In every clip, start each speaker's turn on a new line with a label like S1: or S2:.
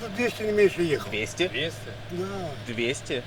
S1: Километров 200 не меньше ехал.
S2: 200?
S3: 200?
S1: Да.
S2: 200?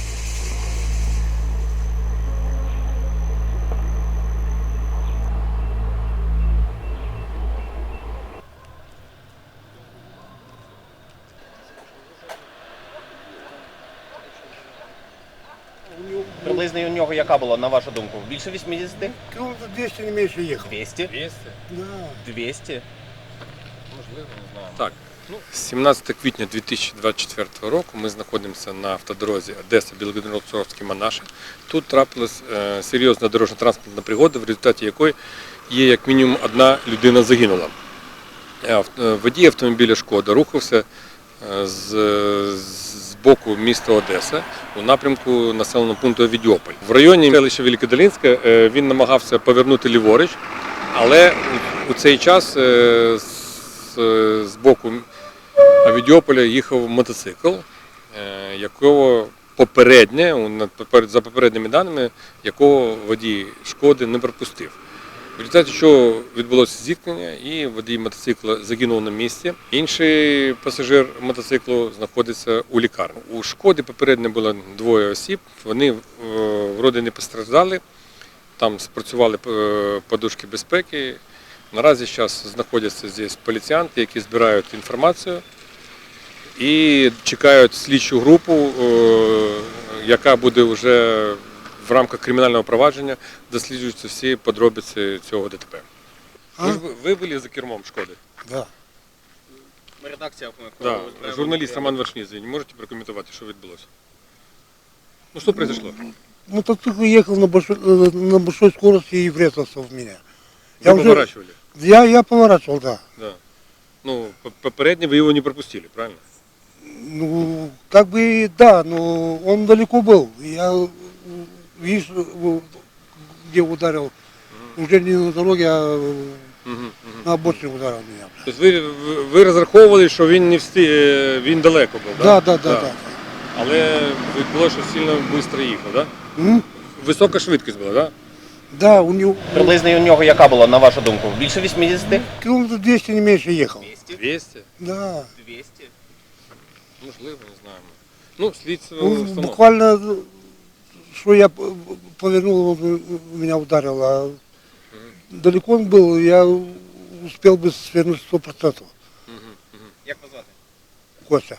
S2: Приблизно у нього яка була, на вашу думку? Більше 80?
S1: Километров 200 не меньше ехал.
S2: 200?
S3: 200?
S1: Да.
S2: 200?
S3: Можливо, не знаю.
S4: Так, 17 квітня 2024 року ми знаходимося на автодорозі Одеса-Білгород-Петровський Манаші. Тут трапилась серйозна дорожньо-транспортна пригода, в результаті якої є як мінімум одна людина загинула. Водій автомобіля «Шкода» рухався з боку міста Одеса у напрямку населеного пункту Авідіополь. В районі селища Великодолинське він намагався повернути ліворуч, але у цей час з боку Авідіополя їхав мотоцикл, якого за попередніми даними, якого водій «Шкоди» не пропустив. В результаті чого відбулося зіткнення і водій мотоцикла загинув на місці. Інший пасажир мотоциклу знаходиться у лікарні. У «Шкоди» попередньо було двоє осіб, вони вроде не постраждали, там спрацювали подушки безпеки. Наразі зараз знаходяться здесь поліціянти, які збирають інформацію і чекають слідчу групу, яка буде вже в рамках кримінального провадження досліджуються всі подробиці цього ДТП. Ви були за кермом «Шкоди»?
S1: Да.
S2: Ми редакція.
S4: Да. Журналіст Роман Вершнізин. Можете прокоментувати, що відбулося? Ну, що произошло?
S1: Мотоцикл ехал на большой скорости и врезался в меня.
S4: Ви поворачивали?
S1: Я поворачивал, да.
S4: Да. Ну, попередньо ви його не пропустили, правильно?
S1: Ну, как бы да, но он далеко был. Я, видишь, где ударил, уже не на дороге, а на обочине ударил меня.
S4: Тобто ви розраховували, що він не він далеко був, так?
S1: Да.
S4: Але відбулося, що сильно швидко їхав, так?
S1: М?
S4: Висока швидкість була, так?
S1: Да, у него
S2: Приблизно у нього яка була, на вашу думку? Більше 80?
S1: километров 200 не меньше ехал.
S2: 200?
S4: 200?
S1: Да.
S2: 200?
S4: Можливо, не знаємо. Ну, слідство
S1: Ну,
S4: встановлено.
S1: буквально, что я повернул, он меня ударил, а далеко он был, я успел бы свернуть 100%.
S2: Як вас звати?
S1: Костя.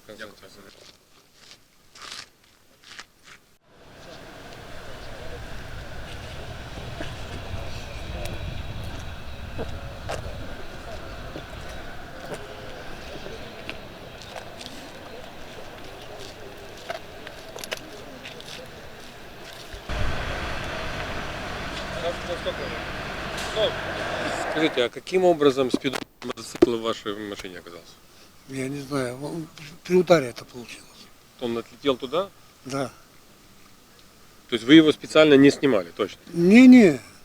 S4: Скажите, а каким образом спидометр мотоцикла в вашей машине оказался?
S1: Я не знаю, при ударе это получилось.
S4: Он отлетел туда?
S1: Да.
S4: То есть вы его специально не снимали, точно?
S1: Не-не,